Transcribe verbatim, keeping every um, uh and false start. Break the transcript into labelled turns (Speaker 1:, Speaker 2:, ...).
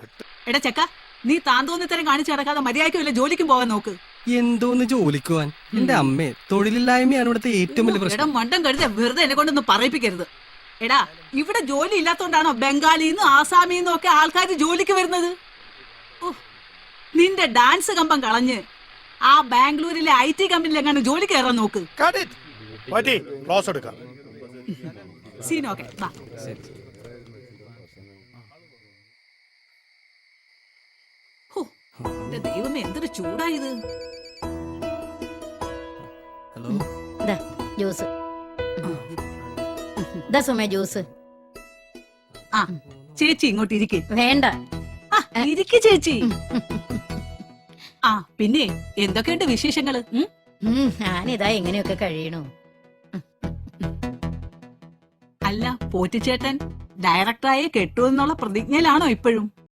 Speaker 1: എടാ ചെക്ക, നീ താൻ തോന്നിത്തരം കാണിച്ചു നടക്കാതെ മര്യാദയ്ക്ക് വല്ല ജോലിക്കും പോകാൻ നോക്ക്.
Speaker 2: എന്തോന്ന് ജോലിക്കുവാൻ? എന്റെ അമ്മേ, തൊഴിലില്ലായ്മയാണ് ഇവിടുത്തെ ഏറ്റവും വലിയ
Speaker 1: എടാ
Speaker 2: പ്രശ്നം.
Speaker 1: മണ്ടം കരുത വെറുതെ എന്നെ കൊണ്ടൊന്നും പറയിപ്പിക്കരുത്. എടാ, ഇവിടെ ജോലി ഇല്ലാത്തോണ്ടാണോ ബംഗാളിന്നും ആസാമിന്നും ഒക്കെ ആൾക്കാർ ജോലിക്ക് വരുന്നത്? ഓ, നിന്റെ ഡാൻസ് കമ്പം കളഞ്ഞ് ആ ബാംഗ്ലൂരിലെ ഐ ടി കമ്പനിയിൽ എങ്ങനെ ജോലി കയറാൻ നോക്ക്. സീനോക്കെ വാ. ഹോ, എന്റെ ദൈവമേ, എന്തൊരു ചൂടായത്.
Speaker 2: ഹലോ,
Speaker 3: ദാ ജ്യൂസ്. ദാ സുമേ ജ്യൂസ്.
Speaker 1: ആ ചേച്ചി ഇങ്ങോട്ട് ഇരിക്കേ.
Speaker 3: വേണ്ട.
Speaker 1: ഇരിക്ക് ചേച്ചി. ആ പിന്നെ എന്തൊക്കെയുണ്ട് വിശേഷങ്ങള്? ഉം?
Speaker 3: ഉം, ഞാനിതാ എങ്ങനെയൊക്കെ കഴിയണു.
Speaker 1: അല്ല, പോറ്റിച്ചേട്ടൻ ഡയറക്ടറായി കെട്ടുമെന്നുള്ള പ്രതിജ്ഞയിലാണോ ഇപ്പോഴും?